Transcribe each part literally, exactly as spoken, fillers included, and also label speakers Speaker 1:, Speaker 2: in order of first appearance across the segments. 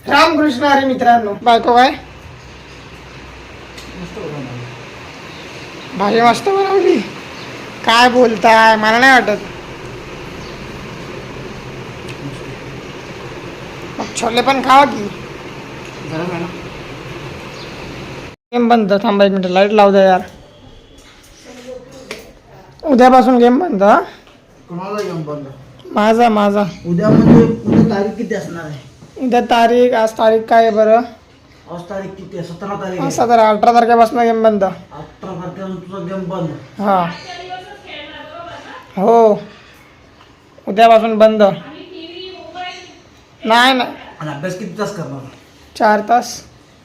Speaker 1: रामकृष्ण हरी मित्रांनो. बायको काय भाजी मस्त बनवली. काय बोलताय, मला नाही वाटत. मग छोले पण खावा की. गेम बंद. थांबा एक मिनिट, लाईट लावू द्या यार. उद्यापासून गेम बंद.
Speaker 2: कोणाला गेम बंद?
Speaker 1: माझा माझा
Speaker 2: उद्या म्हणजे उद्या तारीख किती असणार आहे?
Speaker 1: उद्या तारीख, आज तारीख काय आहे बरं?
Speaker 2: आज तारीख किती आहे? सतरा तारीख आहे.
Speaker 1: असं तर अठरा तारखेपासून गेम बंद.
Speaker 2: अठरा तारखेला तुझा गेम बंद.
Speaker 1: हा हो, उद्यापासून बंद. नाही नाही,
Speaker 2: आणि अभ्यास किती तास करणार?
Speaker 1: चार तास.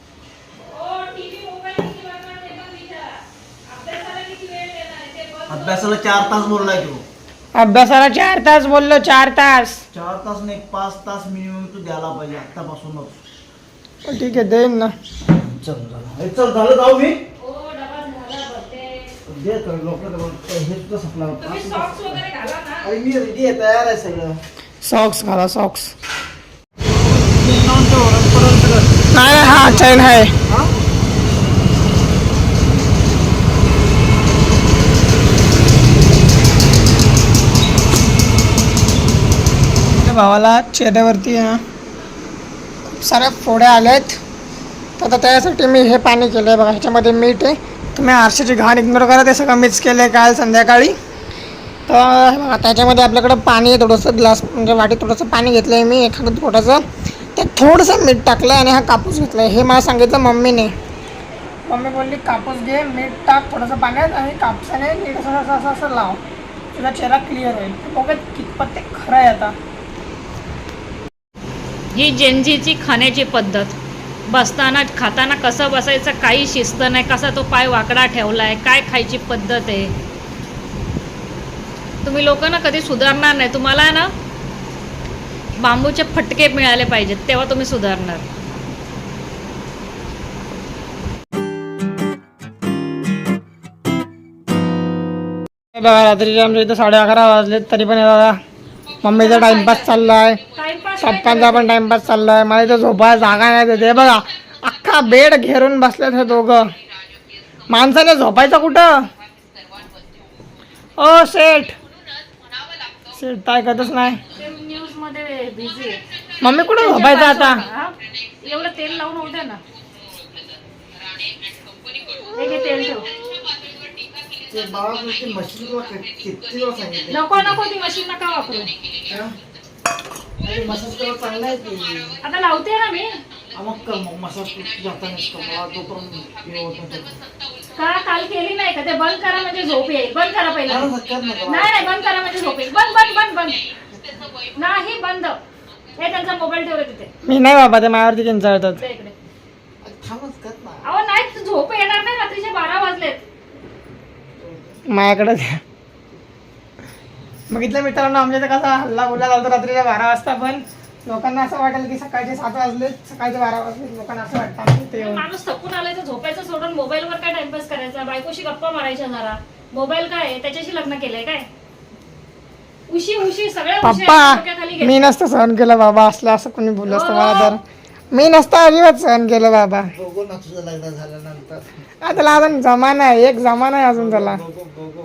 Speaker 2: अभ्यासाला चार तास बोललाय तू.
Speaker 1: अभ्यासाला चार तास बोललो, चार तास.
Speaker 2: चार तास नाही, पाच तास मिनिमम तू द्यायला पाहिजे आतापासूनच.
Speaker 1: ठीक आहे, देईन ना.
Speaker 2: चल झालं, चल झालं, जाऊ मी. दे तर लवकर, हे सुद्धा संपला. अरे मी रेडी आहे, तयार आहे सगळं.
Speaker 1: सॉक्स घाला, सॉक्स. नाही हा चैन आहे. भावाला चेहऱ्यावरती आहे ना खूप साऱ्या फोड्या आल्यात, तर आता त्यासाठी मी हे पाणी केलं आहे बघा. ह्याच्यामध्ये मीठ आहे. तुम्ही आरशाची घाण इग्नोर करा, ते सगळं मिक्स केलं आहे काल संध्याकाळी. तर बघा त्याच्यामध्ये आपल्याकडं पाणी आहे थोडंसं, ग्लास म्हणजे वाटी थोडंसं पाणी घेतलं आहे मी एखादं पोटाचं. त्यात थोडंसं मीठ टाकलं आहे आणि हा कापूस घेतला आहे. हे मला सांगितलं मम्मीने. मम्मी बोलली कापूस घे, मीठ टाक थोडंसं पाण्यात आणि कापसाने नीट असं असं असं असं लाव, तुझा चेहरा क्लिअर होईल. बघा कितपत ते खरं आहे. आता
Speaker 3: ही जेनजीची खाण्याची पद्धत. बसताना खाताना कसं बसायचं काही शिस्त नाही, कसा तो पाय वाकडा ठेवला आहे, काय खायची पद्धत आहे. तुम्ही लोक ना कधी सुधारणार नाही. तुम्हाला ना बांबूचे फटके मिळाले पाहिजेत, तेव्हा तुम्ही सुधारणार.
Speaker 1: बघा रात्रीचे आमच्या इथं साडे अकरा वाजलेत, तरी पण बघा मम्मीचा टाइमपास चालला आहे, पप्पांचा पण टाइमपास चालला आहे. मला इथं झोपायला जागा नाही देते. बघा अख्खा बेड घेरून बसलेत हे दोघं. माणसाने झोपायचं कुठं? ओ सेठ, सेठ काय करतच नाही.
Speaker 3: न्यूज मध्ये बिझी.
Speaker 1: मम्मी कुठं झोपायचं आता?
Speaker 3: एवढं तेल लावून होऊ दे ना. हे घे तेल ठेव.
Speaker 2: ते बाबा मशीनला किती वेळा सांगितलं.
Speaker 3: नको नको, ती मशीन नका वापरू.
Speaker 2: अरे मसाज करायला चांगला आहे ते.
Speaker 3: आता लावते ना मी.
Speaker 2: मग कर मग मसाज जातानाच कर, मला तोपर्यंत हे होत नाही.
Speaker 3: का काल केली नाही का? ते बंद करा म्हणजे झोप येईल. बंद करा पहिला.
Speaker 2: मला
Speaker 3: नाही
Speaker 2: कर नका.
Speaker 3: नाही, बंद करा म्हणजे झोप येईल. बंद बंद बंद बंद नाही, बंद. हे त्यांचा मोबाईल ठेवला तिथे.
Speaker 1: मी नाही बाबा, ते माझ्यावरती किंचाळतात.
Speaker 3: दे इकडे.
Speaker 2: थांबच कर ना.
Speaker 3: अहो नाही, झोप येणार नाही. रात्रीचे बारा वाजलेत.
Speaker 1: माझ्याकडे द्या. बघितलं मित्रांनो, आमच्या इथं कसा हल्ला गुल्ला चालतो रात्रीच्या बारा वाजता. पण लोकांना असं वाटेल की सकाळचे सात वाजले, सकाळचे बारा वाजले. लोकांना असं वाटतं आमच्या इथे येऊन.
Speaker 3: माणूस थकून आलाय तर झोपायचं सोडून मोबाईलवर काय टाइमपास करायचा? बायकोशी गप्पा मारायच्या जरा. मोबाईल काय त्याच्याशी लग्न केलंय काय? उशी उशी सगळ्या उशी
Speaker 1: पप्पा मी नसतं सहन केलं बाबा, असलं असं कोणी बोललं असतं मला तर. मी नसतं अजिबात सहन केलं बाबा.
Speaker 2: बघू ना तुझं लग्न झाल्यानंतर.
Speaker 1: आता त्याला अजून जमाना आहे, एक जमाना आहे अजून त्याला.
Speaker 2: बघू बघू.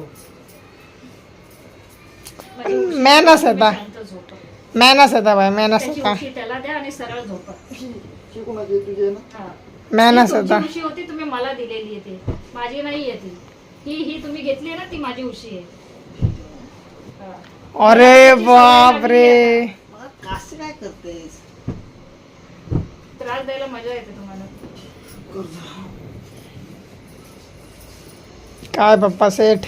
Speaker 1: मॅनस येता, मॅनस येता बाय, मॅनस
Speaker 3: त्याची
Speaker 1: येता,
Speaker 3: उशी त्याला द्या आणि सरळ झोपा.
Speaker 2: कोणाची तुझे ना?
Speaker 3: हा.
Speaker 1: मॅनस
Speaker 3: ही तुमची
Speaker 1: येता.
Speaker 3: उशी होती, तुम्ही मला दिलेली आहे ती. माझी नाही आहे ती. ही ही तुम्ही घेतली आहे ना, ती माझी उशी आहे. हा.
Speaker 1: अरे बाप रे,
Speaker 2: मला कसं काय करतेस?
Speaker 3: त्रास द्यायला मजा येते तुम्हाला.
Speaker 1: काय पप्पा सेठ.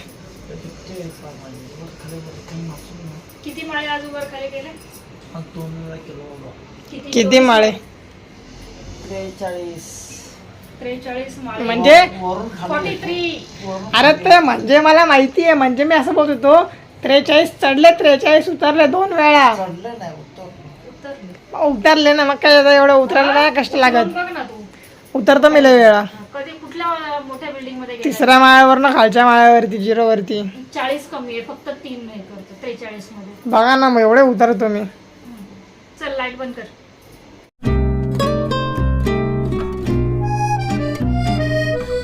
Speaker 3: किती माळे आज वर खाली केले?
Speaker 2: दोन वेळा केलो बाबा.
Speaker 1: किती माळे?
Speaker 2: त्रेचाळीस.
Speaker 3: त्रेचाळीस माळे
Speaker 1: म्हणजे
Speaker 2: वरून
Speaker 3: फोर्टी
Speaker 2: खाली.
Speaker 3: थ्री.
Speaker 1: अरे ते म्हणजे मला माहिती आहे, म्हणजे मी असं बोलत होतो त्रेचाळीस चढले, त्रेचाळीस उतरले दोन वेळा.
Speaker 2: चढलं नाही, उत्तर
Speaker 1: उतरले ना, मग काय आता एवढं उतरायला काय कष्ट लागत.
Speaker 3: बघ ना तू.
Speaker 1: उतरतो मी लय वेळा.
Speaker 3: कधी कुठल्या मोठ्या बिल्डिंग मध्ये गेला?
Speaker 1: तिसऱ्या माळ्यावर ना खालच्या माळ्यावरती, झिरो वरती.
Speaker 3: चाळीस कमी आहे, फक्त तीन नाही करतो त्रेचाळीस मध्ये.
Speaker 1: बघा ना, मग एवढे उतरतो मी.
Speaker 3: चल लाईट बंद कर.